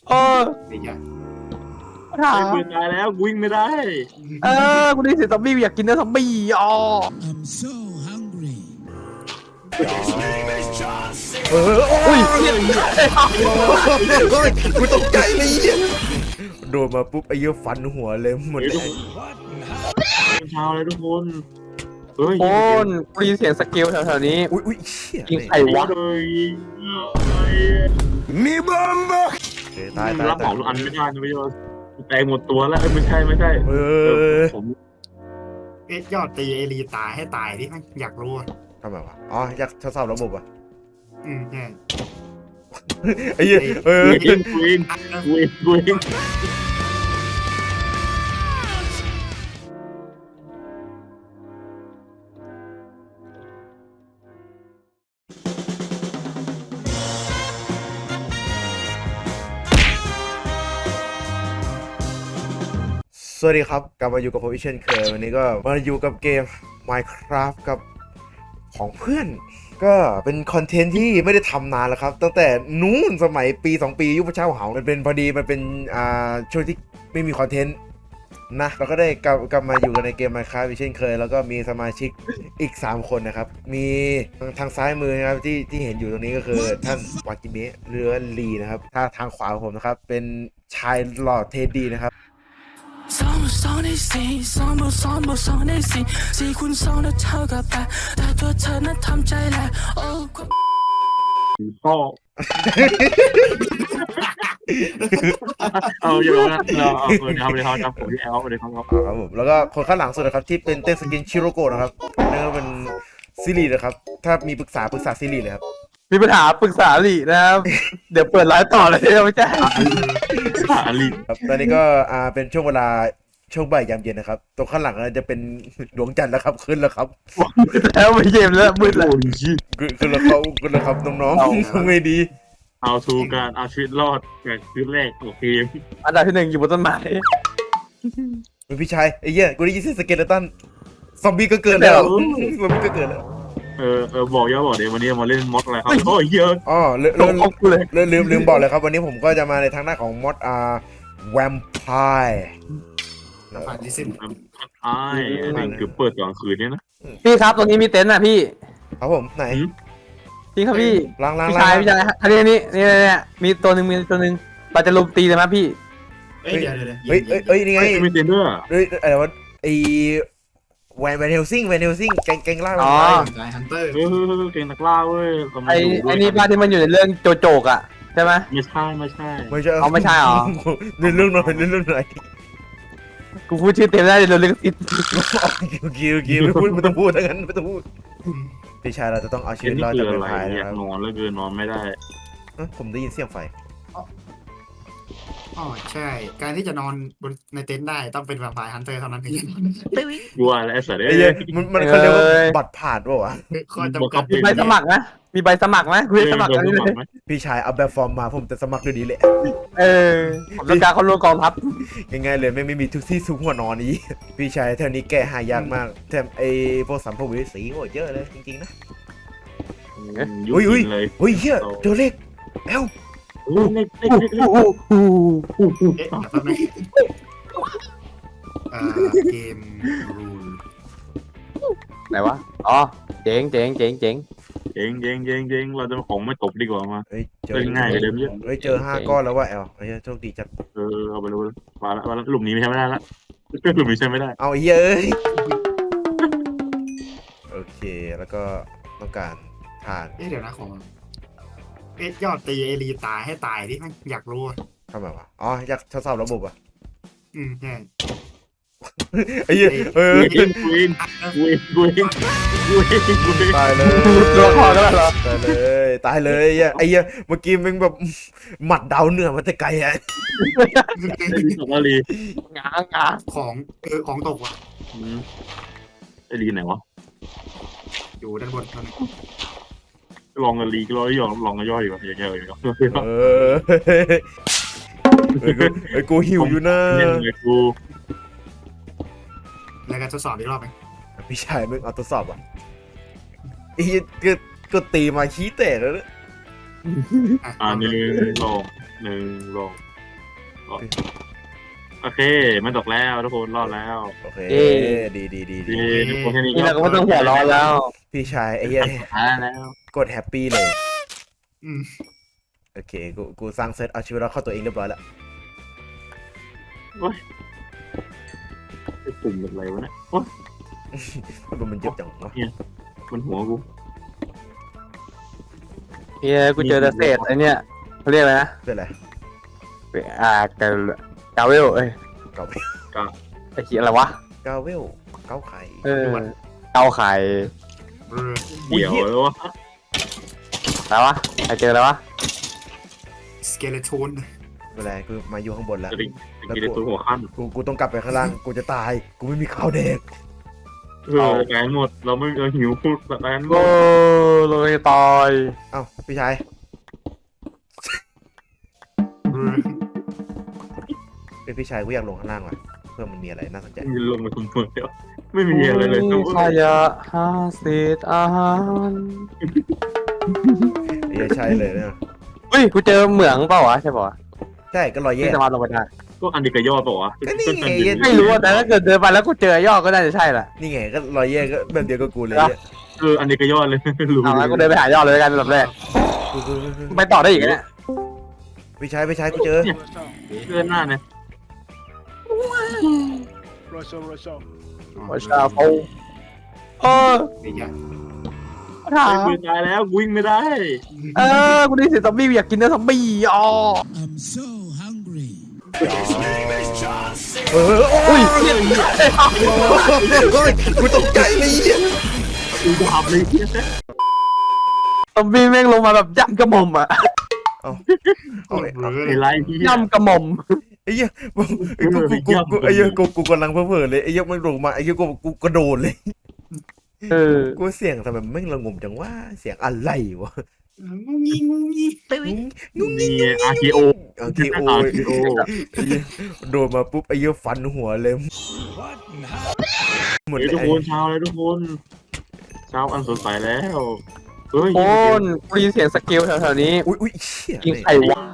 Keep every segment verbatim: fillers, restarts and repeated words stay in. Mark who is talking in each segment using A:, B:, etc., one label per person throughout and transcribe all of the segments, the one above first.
A: เออ
B: ไอ้เหี้ย
A: ถาม
C: ปืนตายแล้ววิ่งไม่ได้
A: เออกูได้เสียงซอมบี้อยากกินเนื้อซอมบี้อ๋อ
D: I'm so hungry.
E: เออโอ้ยกูตกใจเลยเนี่ยโดนมาปุ๊บไอ้เหี้ยฟันหัวเลยหมดเลย
C: เช้าเลยทุกคนเฮ้ย
A: โอนกูได้ยินเสียงสเกลแถวๆนี้
E: อุ้ยอุ้ยเชี่ย
A: ยิงใครวะ
C: เลย
E: มีบอมบ์ตายตาย
C: รับเห
E: ตาย
C: มาทุกอันไม่ได้นะพี่โยนแตงหมดตัวแล้วไม่ใช่ไม่ใช่
E: เออ
C: ผม
B: เอ๊ะยอดตีไอรีตายให้ตายที่อยากรู้อ่ะ
E: ทำไมวะอ๋ออยากทดสอบระบบอ่ะ
B: อืมใช่
E: ไอ้เหี้ยเออ
C: วิ่งวิ่งวิ่งวิ่ง
E: สวัสดีครับกลับมาอยู่กับผมอีกเช่นเคยวันนี้ก็มาอยู่กับเกม Minecraft กับของเพื่อน ก็เป็นคอนเทนต์ที่ไม่ได้ทำนานแล้วครับตั้งแต่นู้นสมัยปีสองปียุคพระเจ้าเหามันเป็นพอดีมันเป็นอ่าช่วงที่ไม่มีคอนเทนต์นะเราก็ได้กลับกลับมาอยู่กันในเกม Minecraft อีกเช่นเคยแล้วก็มีสมาชิกอีกสามคนนะครับมีทางซ้ายมือนะครับที่ที่เห็นอยู่ตรงนี้ก็คือท่านวากิเมะเรือลีนะครับถ้าทางขวาของผมนะครับเป็นชายหล่อเทดดี้นะครับ
D: ซ้อมซ้อมในสีซ้อมบทซ้อมบทซ้อมในสีสี่คูณสองแล้วเท่ากับแปดแต่ตัวเธอนั้นทำใจแหละโอ้
C: ก็เอาอยู่นะเราเอาเลยครับเลยครับจำผมที่แอลเลยครับ
E: ครับผมแล้วก็คนข้างหลังสุดนะครับที่เป็นเต้นสกินชิโรโกะนะครับนั่นก็เป็นซิรินะครับถ้ามีปรึกษาปรึกษาซิริเลยครับ
A: มีปัญหาปรึกษาหลีนะครับ เดี๋ยวเปิดไลฟ์ต่อเลยไม่ใช่
C: อาลี
E: ครับตอนนี้ก็อ่าเป็นช่วงเวลาช่วงบ่ายยามเย็นนะครับตรงข้างหลังจะเป็นดวงจันทร์แล้วครับขึ้นแล้วครับ
A: แล้วไม่เย็นแล้วมืดแล้ว
E: ขึ้นขึ้นแล้วเขาขึ้นแล้วครับน้องๆไม่ดี
C: เอาทูการเอาชีวิตรอดแบบคืนแรกของเกม
A: อันดับที่หนึ่งอยู่บนต้นไม้
E: เป็นพี่ชายไอ้เหี้ยกูได้ยินเสียงสเกเลตันซอมบี้ก็เกิดแล้วซอมบี้ก็เกิดแล้ว
C: เออเออบอกย่าบอกเดี๋ยววันนี้มาเล่นมอดอะไรครับโอ้ยเยอะ
E: อ๋อลืม
A: ตกอกกูเลย
E: ลืมลืมลืมบอกเลยครับวันนี้ผมก็จะมาในทางหน้าของมอดอ่าแวมไพร์
B: น้ำผ่านดิสิน
C: ไอ้นี่คือเปิดกลางคืนเนี่ยนะ
A: พี่ครับตรงนี้มีเต็นท์นะพี่
E: ครับผมไหน
A: พี่ครับพี่
E: ล้างล้าง
A: พี่
E: ล้า
A: ชาย
E: ง
A: พี่ชายอันนี้อันนี้นี่นี่นี่มีตัวหนึ่งมีตัวหนึ่งเราจะลุมตีเลยไหมพี่
B: เอ้ยเดี๋ยวเดี๋ยว
E: เฮ้ยเฮ้ยเฮ้ยนี่ไง
C: ไม่ไม่เต็นเดอร์
E: เฮ้ยอะไรวะไอแวนแวนเฮลซิงแวนเฮลซิงแกงแกงล่าง
A: อ๋อ
B: สายฮันเตอร์
C: เออเก่งนักล่าเว้ย
A: ไอ้ไอ้นี่ป้าที่มันอยู่ในเรื่องโจโจกอ่ะใช่ไหม
C: ไม่ใช่ไม่ใช่
E: ไม่ใช่
A: เอาไม่ใช่เหรอ
E: เรื่องเรื่องหน่อยเรื่องเรื่องหน่อย
A: กูพูดชื่อเต็มได้เลยเรื่องติด
E: โอเคโอเคไม่พูดไม่ต้องพูดทั้งนั้นไม่ต้องพูดพี่ชายเราจะต้องเอาชี
C: เก
E: วิ
C: ม
E: ต
C: ที่
E: รอด
C: เกิ
E: จาก
C: ด
E: เว
C: อะไร
E: มไพร์
C: อยา
E: นะ
C: ก
E: ครับ
C: นอนแล้วเกินนอนไม่ได้
E: เอ้ยผมได้ยินเสียงไฟ
B: อ๋อใช่ การที่จะนอนบนในเต็นท์ได้ต้องเป็นแวมไพร์ฮันเตอร์เท่านั้นถึงจะนอน
C: กลัวแล้วไอ้สัตว์
E: ไอ้
C: เอ้
E: เหี้ย
C: ย
E: มันมันเขาเรียกว่าบัตรผ่านป่าวะ
B: ข้อจำกัด
A: มีใบสมัครนะมีใบสมัครนะกูจะสมัครกันเลย
E: พี่ชายเอาแบบฟอร์มมาผมจะสมัครด้วยดีแหละ
A: เออผมต้องการเขาร่วมกองทัพ
E: ง่ายๆเลยไม่ไม่มีทุกที่ทุกหัวนอนนี้ พี่ชายแถวนี้แก้หายากมากแถมไอ้พวกสัมภเวสีโหเยอะเลยจริงๆนะ
C: ยุ่
E: อุ้ยอุ้ย
C: งเลย
E: อุ้ยเฮียเจอเลขเอ้า
C: โอ้ยเล็กเล็กเล็ก
A: โอ้โห
B: เอ๊ะเดี๋ยวแป๊บนึงเอ่อเกมรูล
A: ไหนวะอ๋อเจ๋งเจ๋งเจ๋งเจ๋ง
C: เจ๋งเจ๋งเจ๋งเจ๋งเราจะของไม่ตบดีกว่ามา
E: เฮ้ยเจอ
C: เล่นง่ายกว่าเดิมเยอะ
E: เฮ้ยเจอห้าก้อนแล้วว่ะแอลไอ้เหี้ยโชคดีจัด
C: เออเอาไปเลยมาละมาละหลุมนี้ไม่ใช่ไม่ได้ละหลุมนี้ใช่ไม่ได้
E: เอาไอ้เหี้ยเอ้ยโอเคแล้วก็ต้องการทาน
B: เอ๊ะเดี๋ยวนะของเอ๊ะยอดตีไอรีตายให้ตายที่อยากรู้อ่ะ
E: ทำไมวะอ๋ออยากทดสอบระบบอ่ะ
B: อืมใช่
E: ไอ้เหี้ยเออ
C: วินวินวินวินวินวิน
E: ตายเลย
A: ตัวคอกันแล้วเหรอ
E: ตายเลยตายเลยไอ้เหี้ยไอ้เหี้ยเมื่อกี้มึงแบบหมัดดาวเหนือมันจะไกลอ่ะ
C: สักลี
A: งางงา
B: ของเออของตกว่ะ
C: ไอ้ลีไหนวะ
B: อยู่ด้านบนเท่านั้น
C: ลองกันลีก็ลองย่อลองกันย่ออยู่อย่างเงี้ยเลย
E: เออเฮ้ยกูเฮ้ยกูหิวอยู่นะ
C: เนี่ยไงกู
B: แล้วก็ทดสอบอีกรอบไหม
E: พี่ชายมึงเอาทดสอบอ่ะไอ้เหี้ยก็ก็ตีมาขี้แตกแล้วนะ
B: อ่ะ
C: อ่าหนึ่งลองหนึ่งลองโอเคมันตกแล้วทุกคนรอดแล้ว
E: โอเคดีดีดี
C: ดี
E: ดี
C: ทุกคนแค่นี้
A: นี่เราก็ไม่ต้องหัวร้อนแล้ว
E: พี่ชายไอ้เหี้ย
C: อ่าแล้ว
E: กดแฮปปี้เลย
B: อืม
E: โอเคกูกูสร้างเซตเอาชีวิตเราเข้าตัวเองเรียบร้อยแล้ว
C: ไอ้ปุ่มแบบอะไรวะเนี่ยโอ้ย
E: มันมันเจ็บจังวะ
C: มันหัวกู
A: เฮียกูเจอแต่เศษไอเนี้ยเขาเรียกอะไรนะ
E: เป็นไร
A: อ่าเกลเกาเวลเอ้ย
E: เกา
A: ไอ้เหี้ยอะไรวะ
E: เกาเวลเกาไข่
A: เออเกาไข่
B: เออ
C: เดี๋ยวแล้ววะ
A: อะไรวะใครเจออะไรวะ
B: สเกเลโทน
E: เป็นไรกูมาอยู่ข้างบนแล้ว
C: จะได้จะได้ตัวหัวขั้น
E: กูกูต้องกลับไปข้างล่างกูจะตายกูไม่มีข้าวเด็ก
C: เออแกนหมดเราไม่เราหิวพูดแกนหม
A: โอ้
C: ด
A: เลยตาย
E: เอ้าพี่ชาย
B: เออ
E: เป็นพี่ชายกูอยากลงข้างล่างว่ะเพื่อมันมีอะไรน่าสนใจ
C: มีลงมาทุกคนเดียวไม่มีอะไรเลยทุกค
A: ข
C: น
A: ยะหาเศษอาหาร
E: ไอ้เหี้ยใช่เลยเนี่ย
A: เฮ้ยกูเจอเหมืองเปล่าวะใช่ป่าวะ
E: ใช่ก็รอยแย่
A: ที่สามารถลงไปได้
C: ก็อันดีกระยอดป่าวะ
E: ก็นี่ไง
A: ไม่รู้อะแต่ถ้าเกิดเดินไปแล้วกูเจอยอดก็น่าจะใช่แหละ
E: นี่ไงก็รอยแย่ก็แบบเดียวกับกูเลยเนี่ย
C: เอออันดีกระยอดเลยรู้
A: เอางั้นกูเดินไปหายอดเลยแล้วกันแบบแรก
E: กูกูกูกู
A: ไปต่อได้อีกนะเนี่ย
E: พี่ชายพี่ชายกูเจอ
C: เลื่อนหน้าเนี่ย
A: ว่าชาโฟเออ
B: ไอ้เหี้ย
A: ถาม
C: ปืนตายแล้ววิ่งไม่ได้
A: เออกูได้เสียงซอมบี้อยากกินเนื้อซอมบี้อ๋อ
D: I'm so hungry
E: เออโอ้ยกูตกใจเลยเนี่ย
C: กูจะทำเลย
A: ซอมบี้แม่งลงมาแบบย่ำกระหม่อมอะ
E: เอาเอา
B: เอ
E: เอา
B: อ
C: ไอ้ไรที่
A: ย่ำกระหม่อม
E: ไอ้เหี้ยกูกูกูกูไอ้เหี้ยกูกูกำลังเพ้อเพ้อเลยไอ้เหี้ยมันลงมาไอ้เหี้ยกูกูกระโดดเลย
A: เออ
E: กูเสียงทำไมแม่งระงมจังว่าเสียงอะไรวะ
B: งูงี้งูงี้
C: นี่อาร์เคโอ
E: โอเคโอ้ยไอ้เหี้ยโดนมาปุ๊บไอ้เหี้ยฟันหัวเลยหมด
C: เฮ้ย
E: เล
C: ทุก
E: ย
C: คนเช้าเลยทุกคนเช้าอันสดใสแล้วเฮ้ย
A: โอนกูได้ยินเสียงสกิลแถวๆนี้
E: อุ้ยอุ้ยเชี่ย
A: ยิงใครวะ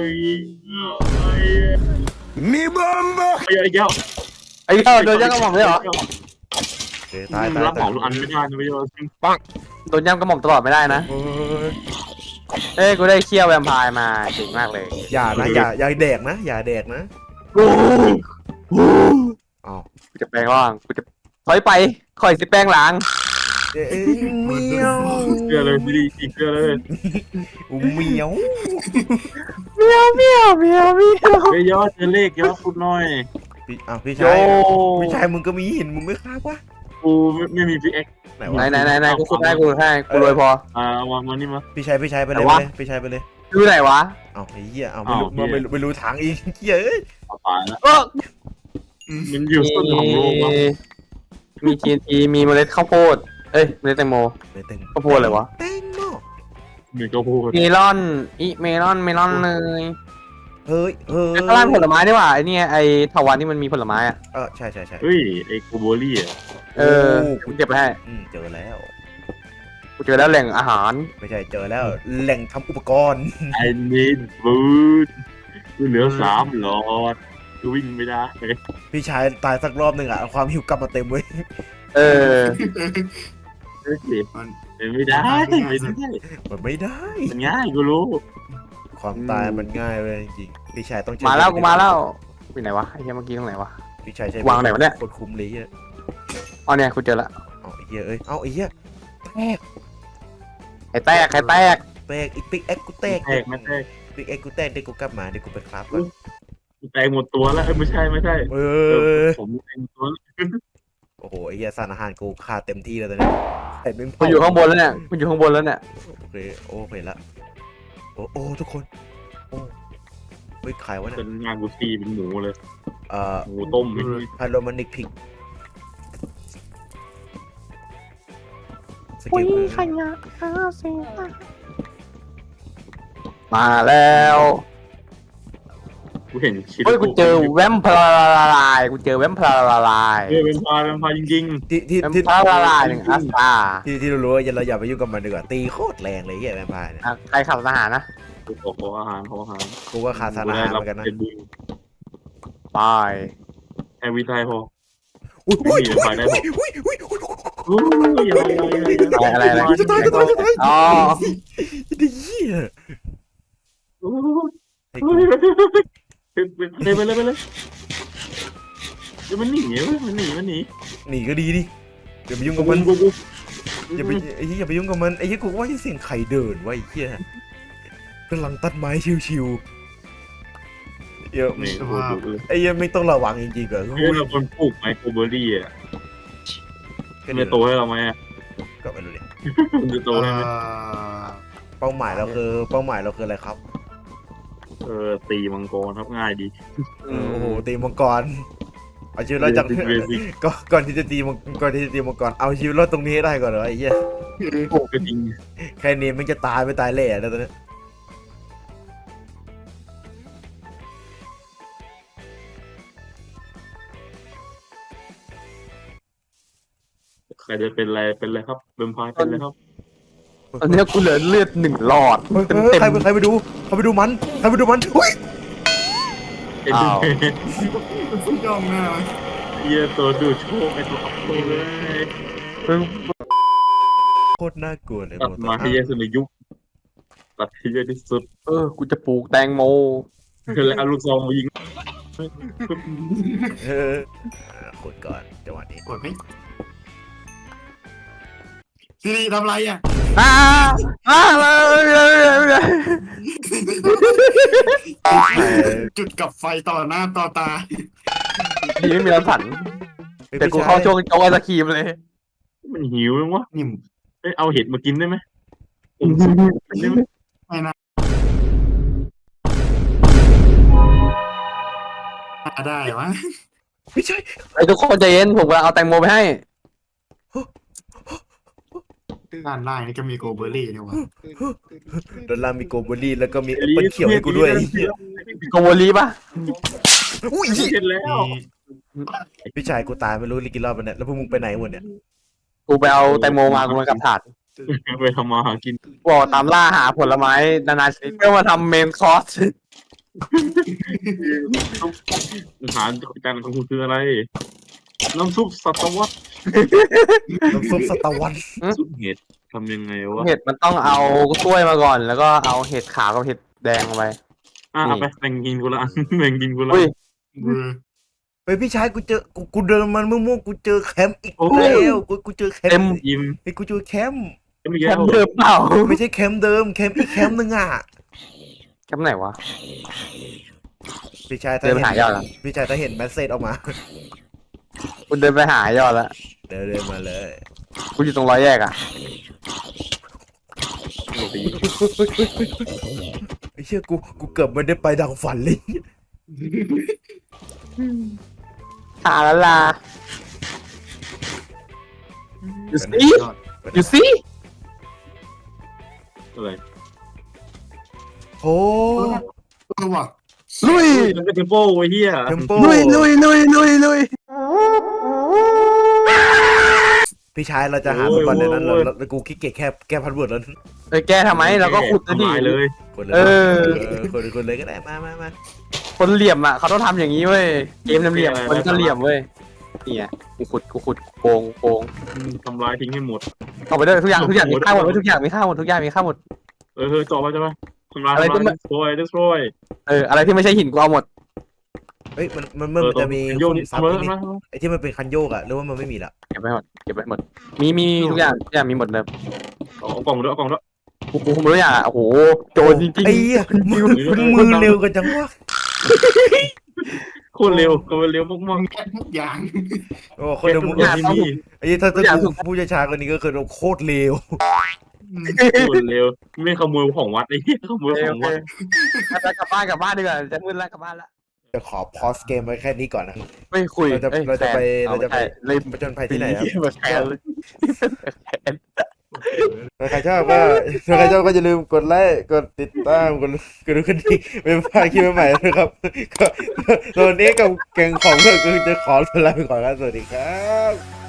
C: มีบอมบ์ไอ้เจ้า
A: ไอ้เหี้ยโดนย่ำกระหม่อมเลยเหรอ
E: ตายตาย
C: รับข
E: ตา
C: อย งทุกอันไม่ได้นะพี่โย
A: โดนย่ำกระหม่อมตลอดไม่ได้นะ เอ้ยกูได้เคี่ยวแวมไพร์มาเก่งมากเลย
E: อย่านะอย่าอย่าแดกนะอย่าแดกนะ
A: โอ้โห
E: เอา
A: กูจะแปลงร่างกูจะถอยไปคอยสิแปลงหลัง
E: เอ้ยเมียว
C: เชื่อเลยพี่ดีอีกเชื่อเลย
E: เมียว
A: เมียวเมียวเมียวเมียว
C: เฮ้ยยอดเจอเลขยอดพูดหน่อย
E: พี่อ้าวพี่
A: โย
E: ชายพี่ชายมึงก็มีหินมึงไม่ฆ่าวะ
C: กูไม่มีพี่เอ็ก
E: ไหน
A: ไหน
E: วะ
A: ไหนไหนไหนกูคุดให้กูให้กูรวยพอ
C: อ่ามามานี่มา
E: พี่ชายพี่ชายไปเลย
A: ไหนวะ
E: ไปเลยพี่ชายไปเลย
A: ดูไหนวะ
E: เอาไอ้เหี้ยเอาไม่รู้ไม่รู้ไม่รู้ทางอีกเหี้ยเอ้ย
C: ตายแล้ว
A: เออ
C: มันอยู่ต้นของโลกวะ
A: มี ที เอ็น ที มีเมล็ดข้าวโพดเอ้ยเมล็ดแตงโม
E: เลยเต็ง
A: ข้าวโพดอะไรวะ
E: แตงโม
C: มีก็พูด
A: เมลอนอีเมลอนเมลอนเลย
E: เฮ้ยเฮ้ย
A: ข้างล่างผลไม้นี่หว่าไอเนี่ยไอถาวันที่มันมีผลไม้อ่ะ
E: เออใช่ใช่ใช่
C: เฮ้ยไอ้กูโบลี่อ่ะ
A: เออกูเก็บไปให้
E: อืมเจอแล้ว
A: กูเจอแล้วแหล่งอาหาร
E: ไม่ใช่เจอแล้วแหล่งทำอุปกรณ์
C: ไอ้นิดบูดกูเหลือสามหลอดกูวิ่งไม่ได้
E: พี่ชายตายสักรอบหนึ่งอะเอาความหิวกลับมาเต็มเว้ย
A: เออ
C: เฮ้ยเป็นไม่ได้ไม่ได้
E: มันไม่ได้
C: มันง่ายกูรู้
E: ความตายมันง่ายเลยจริงๆพี่ชายต้องเจอ
A: มาแล้วกูมาแล้วไปไหนวะไอ้เหี้ยเมื่อกี้ตรงไหนวะ
E: พี่ชายใช้
A: วางไหนวะเนี่ย
E: กดคุมเลยอ่ะ
A: อ๋อเนี่ยกูเจอละ
E: เอาไอ้เหี้ยเอ้ยเอาไอ้เหี้ยแตก
A: ไอ้แตกไอ้แตก
E: แตกอีกปิ๊กเอ็กกูแตก
C: แตกไม่แตก
E: ปิ๊กเอ็กกูแตกเดี๋ยวกูกลับมาเดี๋ยวกูไปครับก่อน
C: แตกหมดตัวแล้วไม่ใช่ไม่ใช่
E: เอ
C: เอ
E: อ
C: ผมแตกหมดตัว
E: โอ้โหไอ้เหี้ยสารอาหารกูขาดเต็มที่แล้วตอนนี้ไอ้เป็น
A: กูอยู่ข้างบนแล้วเนี่ยกูอยู่ข้างบนแล้วเนี่ย
E: โอเคโอ้เห็นละโอ้โอ้ทุกคนโอ้เฮ้ยขายวะเนี่
C: เป็
E: ย
C: นงานกูซีเป็นหมูเลย
E: เอ่อ
C: หมูต้ม
E: พาโรมานิกพิกสกิลคือ
A: มาแล้ว
C: กูเห็นชิ้น
A: เฮ้ยกูเจอแวมพลาละลายกูเจอแวมพลาละลาย
C: เออเป็นพายเป็นพายจริง
E: ที่ที่
A: แวม
E: ที่
A: พลาละลายหนึ่งอัสตา
E: ที่ที่เรารู้ว่าเราอย่าไปยุ่งกับมันดีกว่าตีโคตรแรงเลยเหี้ยแวมไพร์เนี่ย
A: อ่ะใครขับทหารนะ
C: ๆกูขอขออาหารขออาหาร
E: กูว่าขาดสารอาหารเหมือนกันนะ
C: เป็นบุญ
A: ไป
C: แอวิทายพอ
E: อุ้ย
C: ไม่
E: อุ้ย
C: มีไฟได้
E: อุ้
C: พอย
E: อุ้ยอุ้ย
C: อู้ยอะไรอะไร
A: อะไรอะไร
E: จะตายจะตายจะตาย
A: อ๋อ
E: ดีเหี้ย
C: อู้
E: ไอ้
C: ไป
E: กู
C: เลยไปเลยไปเลยเดี๋ยวมันหนีเว้ยมันหนีมันหนี
E: หนีก็ดีดิอย่าไปยุ่ง
C: กู
E: กับมัน
C: กูกู
E: อย่าไปไอ้เหี้ยอย่าไปยุ่งกับมันไอ้เหี้ยกูว่าเสียงใครเดินวะไอ้เหี้ยกำลังตัดไม้ชิวๆเดี๋ยว
C: นี่กูดูเลย
E: ไอ้เหี้ยไม่ต้องระวังจริงๆเหรอ
C: เฮ้ยเราคนปลูกไมโครเบอร์รี่อ่ะมันจะโตให้เราไหมอ่ะ
E: ก็ไม่รู้เลย
C: มันจะโตให้ไหม
B: เอ่อ
E: เป้าหมายเราคือเป้าหมายเราคืออะไรครับ
C: เออตีมังกรครับง่ายดี
E: เออโอ้โหตีมังกรเอาชีวิตรอดจาก
C: Basic basic
E: ก็ก่อนที่จะตีมังก่อนที่จะตีมังกรเอาชีวิตรอดตรงนี้ให้ได้ก่อนเหรอไอ้เหี้ย
C: ปลูกก็จริง
E: แค่นี้มันจะตายไม่ตายแหล่แล้วตอนนี้
C: ใครจะเป็นอะไรเป็นอะไรครับเบมพายเป็นอะไรครับ
A: ตอนนี้กูเหลือเลือดหนึ่งหลอด
E: เฮ้ย
A: เต็ม
E: เฮ้ย
A: เต็ม
E: ใครไปใครไปดูใครไปดูมันใครไปดูมันอุ้ย
C: ไอ้
A: อ้าว
B: มันย่องหน้าไหม
C: เหี้ยตัวดูดโชคไอ้ตัวอัพโตเลย
E: โคตรน่ากลัวเลย
C: ตัดมาให้เยอะสุดในยุคตัดให้เยอะที่สุด
A: เออกูจะปลูกแตงโม
C: แล้วเอาลูกซองมายิง
E: เอออ่ะกดก่อนจังหวะนี้
B: กดไหมซีรีทำไรอ่ะ
A: อ้าอ้าเลยเลยเลย
B: จุดกับไฟต่อหน้าต่อตา
A: ดีไม่มีรังสรรค์แต่กูเข้าช่วงโจ๊กไอศครีมเลย
C: มันหิวยังวะ
B: นิ่ม
C: เอ้ยเอาเห็ดมากินได้ไหมผมได้ไหม
B: ไม่นะได้วะ
E: ไม่ใช่
A: ไอ้ทุกคนใจเย็นผมกำลังเอาแตงโมไปให้
B: ด้านล่างนี่ก็มีโกเบอร์รี่นี่วะ
E: ดอลลาร์มีโกลบอรี่แล้วก็มีแอปเปิลเขียวให้กูด้วยไอ้เหี้ย
A: โกโวลีป่ะ
E: อุ้ย
C: เสร็จแล้ว
B: มี
E: พี่ชายกูตายไม่รู้กี่รอบแล้วเนี่ยแล้วพวกมึงไปไหนหมดเนี่ย
A: กูไปเอาแตงโมมากูมากับถาด
C: ไปทำมาหากิน
A: บอกตามล่าหาผลไม้นานาชนิดเพื่อมาทำเมนคอร์ส
C: อาหารจานของคุณคืออะไร น้ำซุปสัตวัต
E: น้ำซุปสตาร์วัน
C: ซุปเห็ดทำยังไงวะ
A: เห็ดมันต้องเอากล้วยมาก่อน แล้วก็เอาเห็ดขาวกับเห็ดแดงมาไป
C: อ่ะเอาไปแบ่งกินกูละอันแบ่งกินกูละ
A: อุ้ย
B: เบอร์
E: ไปพี่ชายกูเจอกูกูเดินมันมั่วๆกูเจอแคมป์อีก
C: โอ้
E: แล้วกูกูเจอแค
A: เต็
E: ม
A: ม
E: ป์
C: ยิ้ม
E: ไอ้กูเจอแคมป์
C: ไม่
A: แค
C: แก้
A: ม
C: ว
A: ป์เดิมเปล่า
E: ไม่ใช่แคมป์เดิมแคมป์อีกแคมป์นึงอ่ะ
A: แคมป์ไหนวะ
E: พี่ชายถ้า
A: เดินไป
E: เห็น
A: หายอดละ
E: พี่ชายถ้าเห็นแมสเซจออกมา
A: กูเดินไปหายอดละ
E: เดินเดินมาเลย
A: กูอยู่ตรงร้อยแยกอ่ะ
E: ไอ้เชี่ยกูกูเกือบไม่ได้ไปดังฝันเลย
A: หาละลา you
B: เป็น
A: see
B: ยอด
A: you see
C: อะไร
E: โอ้
B: เออว่ะ
A: ลุย
C: มันเป็นเทมโปไอ้เหี้ย
E: เทมโป
A: ลุยลุยลุยลุยลุย
E: พี่ชายเราจะหามันก่อนเดี๋ยวนั้นเราเรากูขี้เกียจแค่แก้พันเวิร์ดแล้ว
A: เอ้ยแกทำไมเราก็ขุดนะดิ
C: ทำลายเลย
E: คนเลย
A: เออ
E: คนคนเลยก็ได้มามามา
A: คนเหลี่ยมอ่ะเขาต้องทำอย่างนี้เว้ย เกมเหลี่ยมๆคนก็เหลี่ยมเว้ยนี่ไงกูขุดกูขุดโกงโกง
C: ทำลายทิ้งให้หมด
A: เอาไปด้วยทุกอย่างทุกอย่างมีค่าหมดเว้ยทุกอย่างมีค่าหมดทุกอย่างมีค่าหมด
C: เออเออจอไปใช่ไหมทำลาย
A: อะไร
C: ทำ
A: ที่
C: ลาย
A: มัน
C: destroy destroy
A: เอออะไรที่ไม่ใช่หินกูเอาหมด
E: เฮ้ยมันมันมันจะมี
C: โยน
E: ซับ
C: ทำไม
E: นี่
C: ทำไม
E: ไอ้ที่มันเป็นคันโยกอะหรือว่ามันไม่มีละ
A: เก็บไปหมดเก็บไปหมดมีมีทุกอย่างทุกอย่างมีหมดเลย
C: เอากล่องด้วยเอากล่องด้วย
A: กูกูไม่รู้อย่างอ่ะโอ้โหโจรจริง
E: ไอ้เหี้ยมือมือเร็วกันจังวะ
C: โคตรเร็วโคตรเร็วมาก
B: แกะทุกอย่าง
E: โอ้คนเดียวมือ
C: ๆที่มี
E: ไอ้เหี้ยถ้าถ้ากูผู้ช้าๆคนนี้ก็คือโคตรเร็ว
C: โคตรเร็วไม่ขโมยของวัดไอ้เหี้ยขโม
A: ๆ
C: ย
A: โอเค
C: ข
A: โอ
C: อง
A: เค
C: วัด
A: ไปกลับบ้านกลับบ้านดีกว่าจะมืดแล้วกลับบ้านละ
E: จะขอพอสเกมไว้แค่นี้ก่อนนะ
A: ไม่คุย
E: เราจะ
A: อ้ย
E: เราจะไป
A: แฟน
E: เราจะไป
A: เลย
E: ผจญภัยที่ไหนครับ
A: มาแชร์เลย
E: ถ้าใครชอบก็ถ้าใครชอบก็อย่าลืมกดไลค์กดติดตามกดกดดูกันดีเป็นพลาดคลิปใหม่ๆนะครับก็ตอนนี้กับแกงของเราก็จะขอลาไปก่อนครับสวัสดีครับ